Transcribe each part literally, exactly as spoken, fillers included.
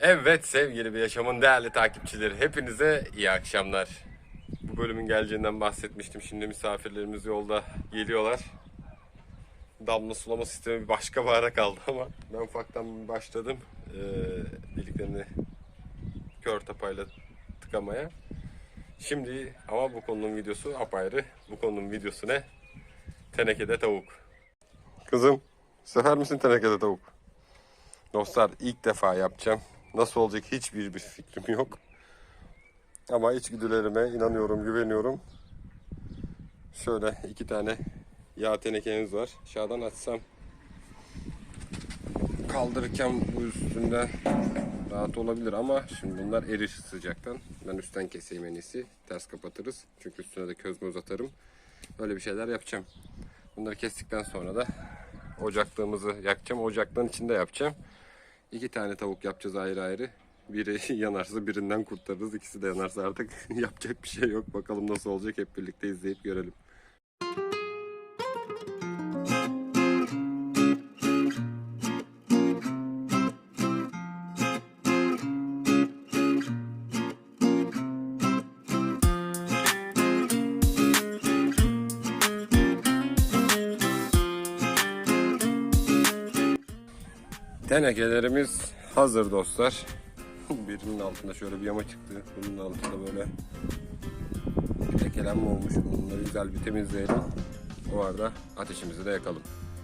Evet sevgili bir yaşamın değerli takipçileri, hepinize iyi akşamlar. Bu bölümün geleceğinden bahsetmiştim. Şimdi misafirlerimiz yolda geliyorlar. Damla sulama sistemi bir başka bahara kaldı ama ben ufaktan başladım ee, deliklerini kör tapayla tıkamaya. Şimdi ama bu konunun videosu apayrı. Bu konunun videosu ne? Tenekede tavuk. Kızım, sever misin tenekede tavuk? Dostlar, ilk defa yapacağım. Nasıl olacak hiçbir bir fikrim yok. Ama içgüdülerime inanıyorum, güveniyorum. Şöyle iki tane yağ tenekemiz var. Aşağıdan açsam kaldırırken bu üstünden rahat olabilir ama şimdi bunlar erir sıcaktan. Ben üstten keseyim en iyisi. Ters kapatırız. Çünkü üstüne de köz möz atarım. Böyle bir şeyler yapacağım. Bunları kestikten sonra da ocaklığımızı yakacağım. Ocaklığın içinde yapacağım. İki tane tavuk yapacağız ayrı ayrı. Biri yanarsa birinden kurtarırız. İkisi de yanarsa artık yapacak bir şey yok. Bakalım nasıl olacak, hep birlikte izleyip görelim. Tenekelerimiz hazır dostlar. Birinin altında şöyle bir yama çıktı. Bunun altında böyle bir lekelenme olmuş. Bunları güzel bir temizleyelim. O arada ateşimizi de yakalım.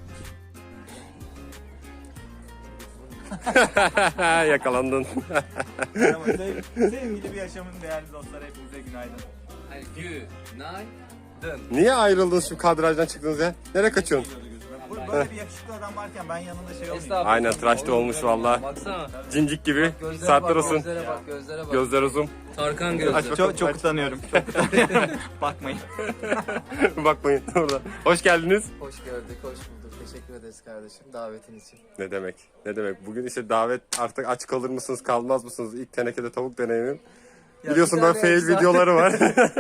Yakalandın. Merhaba, sev- sevgili bir yaşamın değerli dostlar, hepinize günaydın. Hayır, günaydın. Niye ayrıldınız şu kadrajdan çıktınız ya? Nereye kaçıyorsun? Bu- Böyle bir yakışıklı adam varken ben yanında şey olmayayım. Estağfurullah. Aynen, tıraşlı olmuş valla. Baksana. Cincik gibi. Gözlere Saatler bak, olsun. gözlere bak, gözlere bak. Gözler uzun. Tarkan Aç gözleri. bakalım. Çok çok utanıyorum. Çok utanıyorum. Bakmayın. Bakmayın orada. Hoş geldiniz. Hoş gördük, hoş bulduk. Teşekkür ederiz kardeşim davetin için. Ne demek? Ne demek? Bugün işte davet, artık aç kalır mısınız, kalmaz mısınız? İlk tenekede tavuk deneyimim. Ya Biliyorsun bir ben tane fail güzel- videoları var.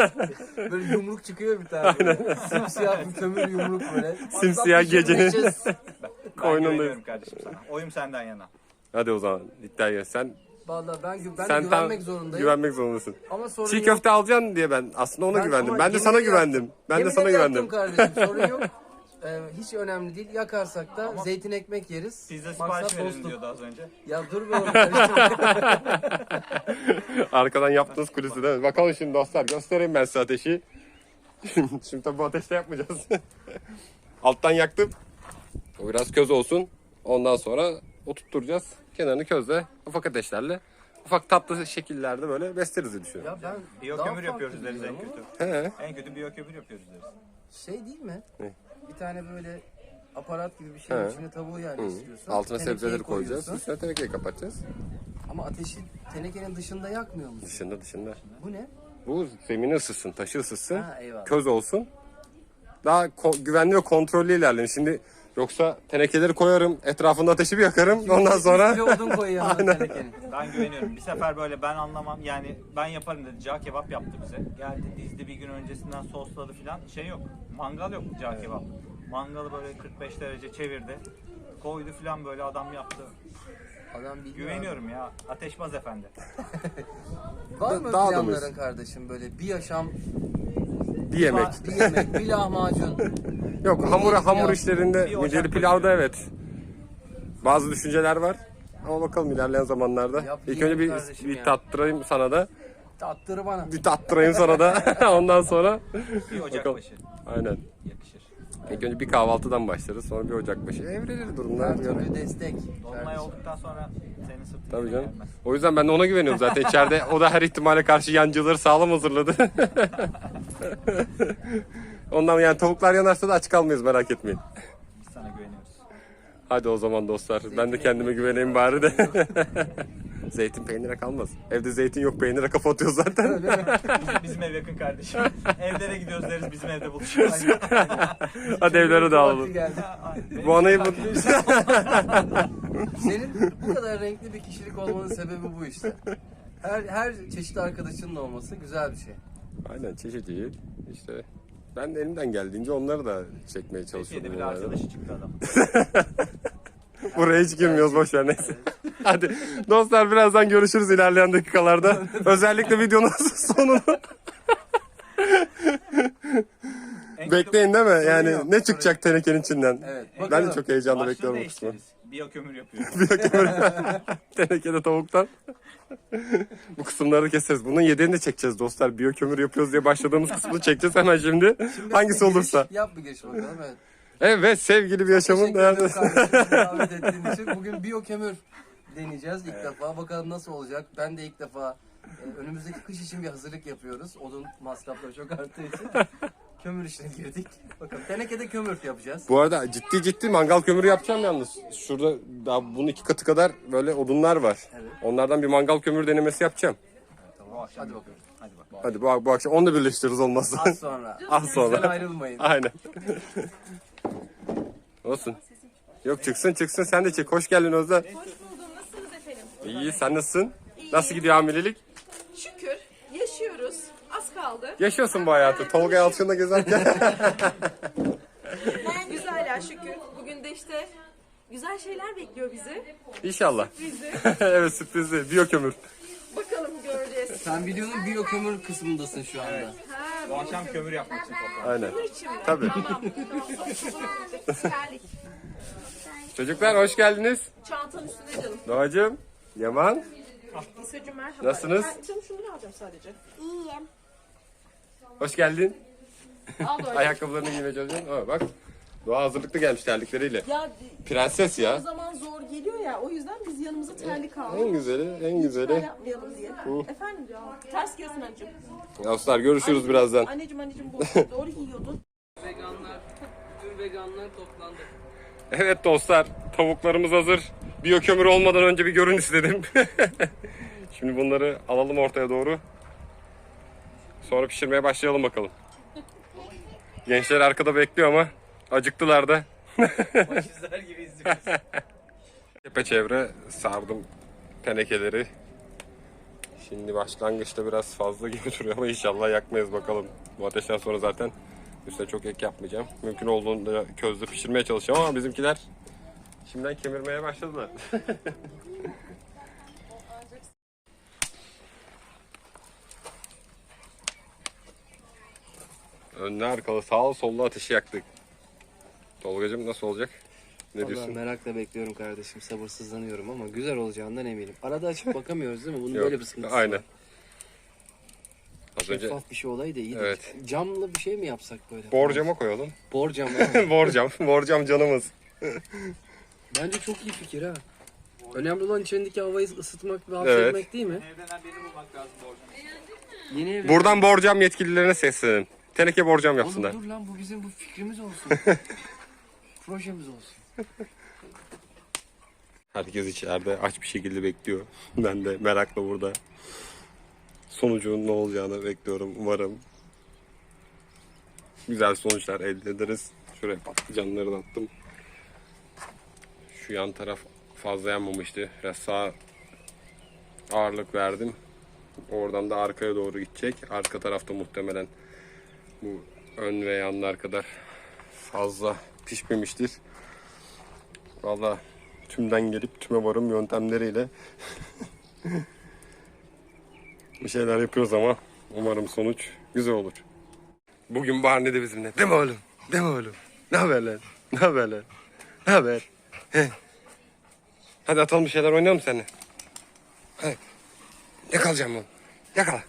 Böyle yumruk çıkıyor bir tane. Böyle. Simsiyah bir kömür yumruk böyle. Simsiyah Atlatmışım, gecenin- geçeceğiz. Ben Koynundayız. güveniyorum kardeşim sana. Oyum senden yana. Hadi o zaman iddiaya. Sen Vallahi ben, gü- ben de sen güvenmek tam zorundayım. güvenmek zorundasın. Ama sorun Çiğ yok. köfte alacaksın diye ben aslında ona Ben- güvendim. ama Ben de yemin sana ederim güvendim. yaptım. Ben de Yemin sana ederim güvendim. yaptım kardeşim, sorun yok. Ee, hiç önemli değil. Yakarsak da zeytin ekmek yeriz. Pizza Maksat sipariş verin dostluk. diyordu az önce. Ya dur be oğlum karıştırma. Arkadan yaptığınız kulisi değil mi? Bakalım şimdi dostlar, göstereyim ben size ateşi. Şimdi tabii bu ateşte yapmayacağız. Alttan yaktım. O biraz köz olsun. Ondan sonra oturtturacağız. Kenarını közle, ufak ateşlerle, ufak tatlı şekillerde böyle besleriz diye düşünüyorum. Ya ben Biyo daha kömür farklı yapıyoruz deriz en biliyorum kötü. He. En kötü biyo kömür yapıyoruz deriz. ama Şey değil mi? Ne? Bir tane böyle aparat gibi bir şeyin He. içine tavuğu yerleştiriyorsun. Altına tenekeyi sebzeleri koyacağız. koyuyorsun. Üstüne tenekeyi kapatacağız. Ama ateşi tenekenin dışında yakmıyor musun? Dışında dışında. Bu ne? Bu zemini ısıtsın, taşı ısıtsın. Ha, eyvallah. Köz olsun. Daha ko- güvenli ve kontrollü ilerleyin. Şimdi yoksa tenekeleri koyarım, etrafında ateşi bir yakarım. Ondan sonra Bir odun koy yanına tenekenin. Ben güveniyorum. Bir sefer böyle ben anlamam yani ben yaparım dedi. Cağ kebap yaptı bize. Geldi dizdi bir gün öncesinden sosladı filan. Şey yok. Mangal yok cağ kebap. Mangalı böyle kırk beş derece çevirdi. Koydu filan böyle adam yaptı. Adam biliyor. Güveniyorum ya. Ateşbaz efendi. abi. Var mı Daha da planların mıyız? kardeşim böyle bir yaşam, bir yemek. bir yemek, bir lahmacun. Yok, hamur pilav. hamur işlerinde Bir ocak mideli pilavda evet. Bazı düşünceler var. Ama bakalım ilerleyen zamanlarda. Yap, İlk yiyelim önce bir, kardeşim bir ya. tattırayım sana da. Tattırı bana. Bir tattırayım sana da. Ondan sonra. Bir ocak Bakalım. başı. Aynen. Yakışır. İlk önce bir kahvaltıdan başlarız. Sonra bir ocakbaşı. Evrilir durumlar. Her türlü destek. Dolunay kardeşim. olduktan sonra senin sırtın Tabii yine canım. gelmez. O yüzden ben de ona güveniyorum zaten. İçeride o da her ihtimale karşı yancıları sağlam hazırladı. Ondan yani tavuklar yanarsa da aç kalmayız, merak etmeyin. Biz sana güveniyoruz. Hadi o zaman dostlar. Ben de kendime güveneyim bari de. Zeytin peynire kalmaz. Evde zeytin yok, peynire kafa atıyoruz zaten. Bizim, bizim ev yakın kardeşim. Evlere gidiyoruz deriz bizim evde buluşuyoruz. Hadi evlere Vakti dağılalım. geldi. Bu anayı bu... Senin bu kadar renkli bir kişilik olmanın sebebi bu işte. Her her çeşit arkadaşının olması güzel bir şey. Aynen, çeşit iyi. İşte ben de elimden geldiğince onları da çekmeye çalışıyorum. Türkiye'de bir olayları. arkadaşı çıktı adam. Buraya hiç girmiyoruz, boş ver neyse. Hadi dostlar birazdan görüşürüz ilerleyen dakikalarda. Özellikle videonun sonunu. Bekleyin değil mi? Yani ne çıkacak tenekenin içinden? Evet. Ben de bakalım. çok heyecanla Başlığı bekliyorum bu kısmı. değiştiririz. Biyokömür yapıyoruz. Tenekede tavuktan. Bu kısımları keseriz. Bunun yedeğini de çekeceğiz dostlar. Biyokömür yapıyoruz diye başladığımız kısmını çekeceğiz hemen şimdi. Hangisi Giriş olursa. Yap bir giriş bakalım. Evet. Evet sevgili bir yaşamın Teşekkür ederim değerli. kardeşim davet ettiğin için. Bugün biyokömür deneyeceğiz ilk defa. Bakalım nasıl olacak. Ben de ilk defa e, önümüzdeki kış için bir hazırlık yapıyoruz. Odun masrafları çok arttığı için. Kömür işine girdik. Bakalım tenekede kömür yapacağız. Bu arada ciddi ciddi mangal kömürü yapacağım yalnız. Şurada daha bunun iki katı kadar böyle odunlar var. Evet. Onlardan bir mangal kömür denemesi yapacağım. Bu akşam Hadi bakalım. Hadi bak. Hadi bu, bu akşam onu da birleştiririz olmazsa. Az sonra. Az Sen sonra. ayrılmayın. Aynen. Olsun. Yok çıksın çıksın sen de çek. Hoş geldin Özlem. Hoş buldum. Nasılsınız efendim? İyi sen nasılsın? Nasıl gidiyor hamilelik? Şükür yaşıyoruz. Az kaldı. Yaşıyorsun bu hayatı. Tolga Yalçın'la gezerken. Güzel ya şükür. Bugün de işte güzel şeyler bekliyor bizi. İnşallah. Bizi. Evet sürprizli. Biyokömür. Bakalım göreceğiz. Sen videonun biyokömür kısmındasın şu anda. Ha, Bu akşam kömür yapmak için toplandık. Aynen. bunun için mi? Tabii. Tamam. Terlik. Çocuklar hoş geldiniz. Çantanın üstünde canım. Doğacığım, Yaman. İsa'cığım merhaba. Nasılsınız? Ben canım şunları alacağım sadece. Hoş geldin. Al böyle. Ayakkabılarını giymeye çalışıyorsun. Aa, bak. Doğa hazırlıklı gelmiş terlikleriyle. Ya Prenses o ya. zaman zor geliyor ya. O yüzden biz yanımıza terlik aldık. En güzeli, en Lütfen güzeli. yapmayalım diye. Efendim diyor. Ters giyiyorsun anneciğim. Dostlar görüşürüz birazdan. Anneciğim anneciğim bu doğru giyiyordun. Veganlar, tüm veganlar toplandı. Evet dostlar, tavuklarımız hazır. Biyokömür olmadan önce bir görün istedim. Şimdi bunları alalım ortaya doğru. Sonra pişirmeye başlayalım bakalım. Gençler arkada bekliyor ama acıktılar da. Başizler gibi izliyoruz. Çepeçevre sardım tenekeleri. Şimdi başlangıçta biraz fazla gibi duruyor ama inşallah yakmayız bakalım. Bu ateşten sonra zaten üstüne çok ek yapmayacağım. Mümkün olduğunda közde pişirmeye çalışacağım ama bizimkiler şimdiden kemirmeye başladılar. Önlü arkalı sağ sollu ateşi yaktık. Tolgacığım nasıl olacak? Ne Vallahi diyorsun? merakla bekliyorum kardeşim. Sabırsızlanıyorum ama güzel olacağından eminim. Arada açıp bakamıyoruz değil mi? Bunun Yok, böyle bir sıkıntısı aynen. var. Az önce Şeffaf bir şey olaydı iyiydi. Evet. Camlı bir şey mi yapsak böyle? borcama koyalım. Borcam. evet. Borcam, borcam canımız. Bence çok iyi fikir ha. Önemli olan içindeki havayı ısıtmak ve Evet. hapsetmek değil mi? Evden birini bulmak lazım bu akşam. Yeni ev. Buradan borcam yetkililerine seslenin. Teneke borcam Oğlum yapsınlar. dur lan bu bizim bu fikrimiz olsun. Projemiz olsun. Herkes içeride aç bir şekilde bekliyor. Ben de merakla burada. Sonucun ne olacağını bekliyorum umarım. Güzel sonuçlar elde ederiz. Şuraya patlıcanları da attım. Şu yan taraf fazla yanmamıştı. Biraz sağa ağırlık verdim. Oradan da arkaya doğru gidecek. Arka tarafta muhtemelen bu ön ve yanlar kadar fazla pişmemiştir. Vallahi tümden gelip tüme varım yöntemleriyle bir şeyler yapıyoruz ama umarım sonuç güzel olur. Bugün Barney de bizimle. Değil mi oğlum? Değil mi oğlum? Ne haber lan? Ne haber lan? Ne haber? He. Hadi atalım bir şeyler oynayalım seninle. Hadi. Yakalayacağım oğlum. Yakala.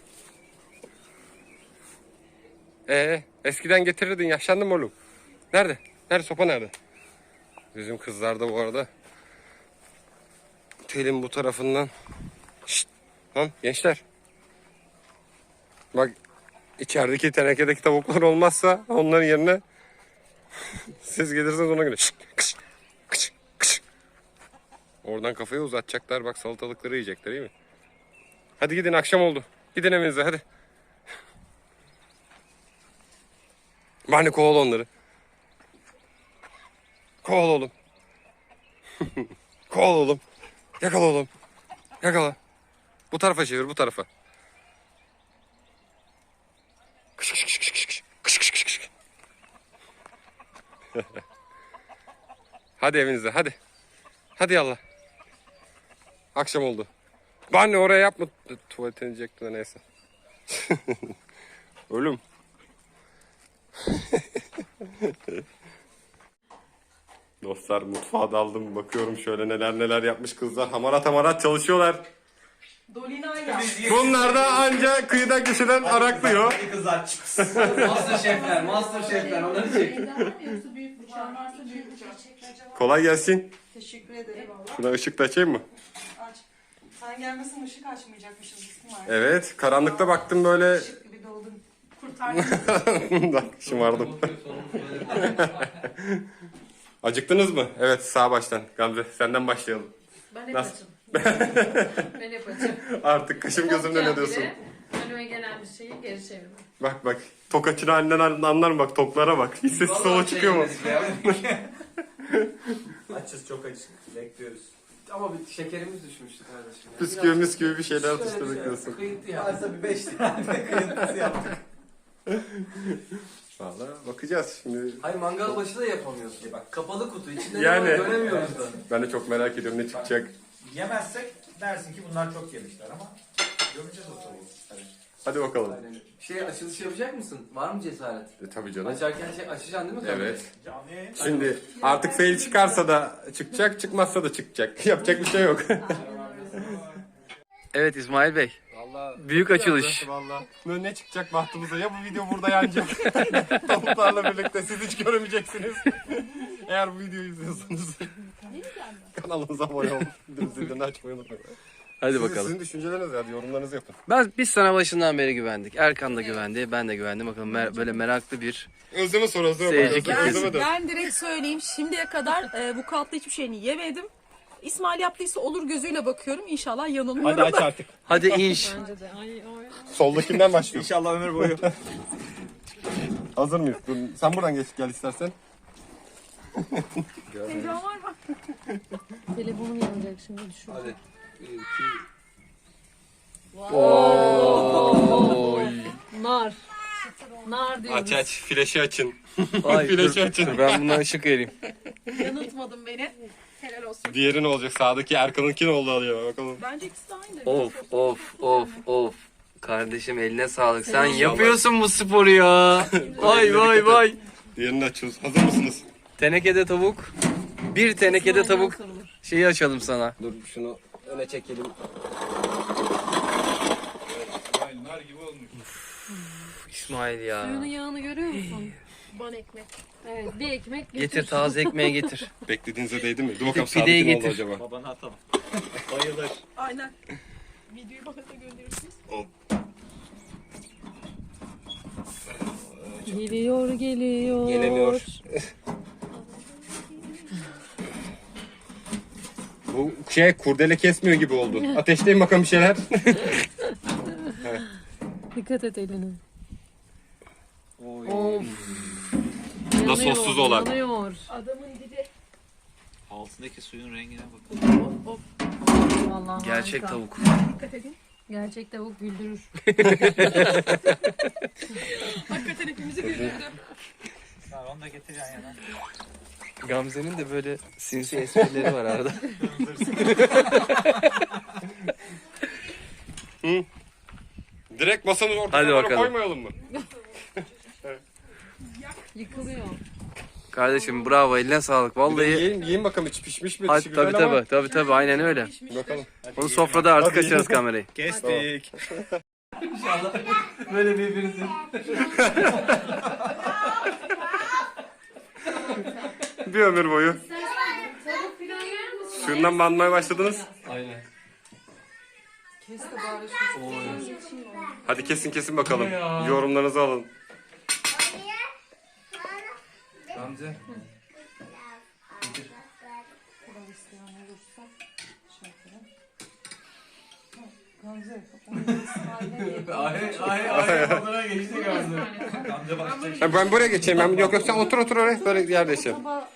Ee, eskiden getirirdin. Yaşlandın mı oğlum? Nerede? Nerede? Sopa nerede? Bizim kızlar da bu arada telin bu tarafından. Şşt. Lan gençler. Bak içerideki tenekedeki tavuklar olmazsa onların yerine siz gelirsiniz ona göre. Şşt, kış, kış, kış. Oradan kafayı uzatacaklar. Bak salatalıkları yiyecekler iyi mi? Hadi gidin akşam oldu. Gidin evinize hadi. Bani kovala onları. Kovala oğlum. Kovala oğlum. Yakala oğlum. Yakala. Bu tarafa çevir bu tarafa. Kış kış kış kış kış kış kış kış kış. Hadi evinize hadi. Hadi yallah. Akşam oldu. Ben de oraya yapma. Tuvaletini diyecektim de neyse. Ölüm. Dostlar mutfağa daldım. Bakıyorum şöyle neler neler yapmış kızlar. Hamarat hamarat çalışıyorlar. Dolina'yla. Bunlar da anca kıyıda köşeden araklıyor. Hadi kızlar. Master şefler, master şefler onları çek. Yoksa büyük bıçağın varsa büyük bıçak. Kolay gelsin. Teşekkür ederim. Şuna ışık da açayım mı? Aç. Sen gelmesin ışık açmayacakmışız İsmail. Evet. Karanlıkta baktım böyle. Işık gibi doldun. Kurtardın. Bak şımardım. Acıktınız mı? Evet sağ baştan. Gamze senden başlayalım. Ben hep Nasıl? açım. Ben hep açım. Artık kaşım gözümden ne diyorsun? Önüme gelen bir şeyi geri çevirmem. Bak bak. Tok açını halinden anlar mı? Bak toklara bak. Hiç sessiz solo çıkıyor mu? Açız çok açız. Bekliyoruz. Ama bir şekerimiz düşmüştü kardeşim. ya. Püsküvi Biraz- müsküvi bir şeyler Şöyle atıştırdık bir diyorsun. Kıyıntı ya. Varsa bir beş tane kıyıntısı yaptık. Valla bakacağız şimdi. Hayır mangal başı da yapamıyorsun. Bak kapalı kutu içinde Yani. ne var göremiyoruz da. Ben de çok merak ediyorum ne çıkacak. Yemezsek dersin ki bunlar çok yemişler ama göreceğiz o tabii. Tabii. Hadi bakalım. Aynen. Şey açılış yapacak mısın? Var mı cesaret? E, tabii canım. Açarken şey açacaksın değil mi? kamerayı? Evet. Canlı yayın. Şimdi artık fail çıkarsa da çıkacak, çıkmazsa da çıkacak. Yapacak bir şey yok. Evet İsmail Bey. Vallahi Büyük açılış. Vallahi. Ne, ne çıkacak bahtımıza? Ya bu video burada yanacak. Tavuklarla birlikte siz hiç göremeyeceksiniz. Eğer bu videoyu izliyorsanız kanalımıza abone olun. Zilini açmayı unutmayın. Hadi Sizin, bakalım. sizin düşünceleriniz hadi yorumlarınızı yapın. Ben biz sana başından beri güvendik. Erkan da güvendi, ben de güvendim. Bakalım mer- böyle meraklı bir Özleme sor Özleme. Seyirci Özleme, kitlesi. Özleme de. Ben direkt söyleyeyim. Şimdiye kadar e, bu katlı hiçbir şeyini yemedim. İsmail yaptıysa olur gözüyle bakıyorum. İnşallah yanılmıyorum. Hadi aç artık. Hadi inş. Soldakinden başlıyor. İnşallah ömür boyu. Hazır mıyız? Dur, sen buradan geç gel istersen. Heyecan var mı? Telefonum yanacak şimdi düşün. Hadi. Nar. Nar diyoruz. Aç aç. Flaşı açın. Ay, Flaşı dur, açın. dur, ben bundan ışık vereyim. Yanıltmadın beni. Helal olsun. Diğeri ne olacak? Sağdaki Erkan'ınki ne oldu alıyor bakalım. Bence ikisi de aynı. Of of of of. Kardeşim eline sağlık. Sen yapıyorsun bu sporu ya. Vay vay vay. Diğerini açıyoruz. Hazır mısınız? Tenekede tavuk. Bir tenekede İsmail'den tavuk sorulur. şeyi açalım sana. Dur şunu öne çekelim. İsmail ya. Suyunun yağını görüyor musun? Ban ekmek. Evet bir ekmek getir. Getir taze ekmeği getir. Beklediğinize değdi mi? Dur bakalım pideyi sağdaki ne oldu getir. acaba? Babana atalım. Bayılır. Aynen. Videoyu bana da gönderirsiniz. Geliyor geliyor. Gelemiyor. Bu şey kurdele kesmiyor gibi oldu. Ateşleyin bakalım bir şeyler. Dikkat et eline. Oy. Of. Bu da sossuz olan. Yanıyor. Adamın dibi. Altındaki suyun rengine bakın. Vallahi Gerçek harika. tavuk. Dikkat edin. Gerçek tavuk güldürür. Hakikaten hepimizi güldürdü. Ha, onu da getireceksin yana. Gamze'nin de böyle sinsi esprileri var arada. Direkt masanın Hadi ortasına bakalım. koymayalım mı? Yıkılıyor. Kardeşim bravo eline sağlık. Bir de Vallahi. yiyin, yiyin bakalım içi pişmiş mi? Hadi Dışı güzel tabii ama- tabii tabii tabii aynen öyle. Bakalım. Onu sofrada artık Hadi açarız yiyin. kamerayı. Kestik. Böyle birbirinizi. Bir ömür boyu. Tavuk filan yer misin? Şundan banmaya başladınız. Aynen. Hadi kesin kesin bakalım. Yorumlarınızı alın. Gamze. Ay ay ay odana geçti Gamze. Gamze bakacak. Ha, ben buraya geçeyim. Ben yok yok sen otur otur oraya. Böyle yerde yaşayalım.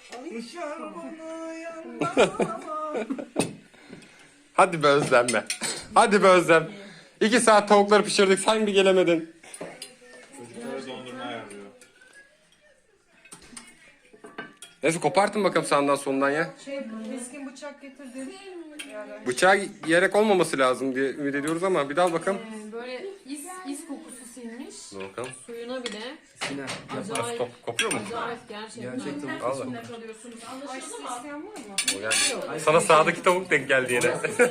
Hadi be Özlem be. Hadi be Özlem. İki saat tavukları pişirdik. Sen bir gelemedin. Çocuklara dondurma ayarlıyor. Neyse kopartın bakalım sağından solundan ya. Şey, keskin bıçak getirdim. Bıçağı yerek olmaması lazım diye ümit ediyoruz ama bir dal bakalım. Ee, böyle is, is kokusu sinmiş. Dur bakalım. Suyuna bile. Sinem. Acayip. Kop- kopuyor mu? Acayip gerçekten. Gerçekten bu Vallahi. Kalıyorsunuz. Anlaşıldı mı? O geldi. Sana sağdaki tavuk denk geldi yine.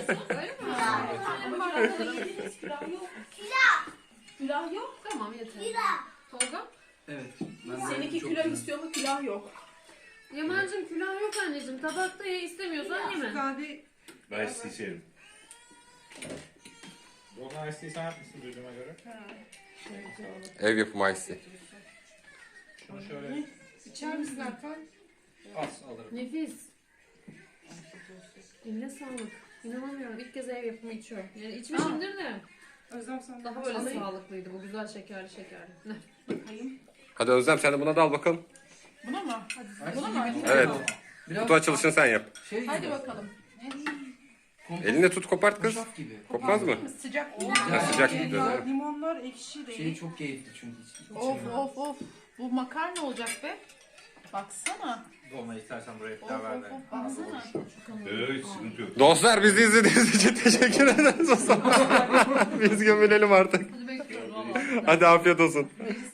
Külah yok. Tamam yeter. Tolga? Evet. Ben de Seninki çok külah güzel. istiyor mu? Külah yok. Yaman'cığım külah yok anneciğim. Tabakta ye, istemiyorsan yeme. Ben sizi içerim. Golden Ice Tea'yi sen yapmışsın duyduğuma göre. Ev yapımı ice. Şunu şöyle İçer misin Erkan? az alırım. Nefis. Eline sağlık. İnanamıyorum. İlk kez ev yapımı içiyorum. Yani içmişimdir de. Özlem sen Daha böyle sağlıklıydı bu. Güzel şekerli şekerli. Ne? Hadi Özlem sen de buna dal bakalım. Buna mı? Ay, Buna şey mı? gibi Evet. oldu. Biraz Kutu açılışını sen yap. şey Hadi gibi. bakalım. Kompost Elinde tut kopart kız. hoşaf gibi. Kopmaz mı? Sıcak. Ha, sıcak gibi dedi. Limonlar ekşi değil. Şey çok keyifli çünkü. hiç- Of içemiyorum. of of. Bu makarna olacak be. Baksana. Dolmayı istersen buraya Of pilav ver of de. of. Baksana. Evet, sıkıntı yok. Dostlar bizi izlediğiniz için teşekkür ederiz o zaman. Biz gömülelim artık. Hadi bekliyoruz valla. Hadi afiyet olsun.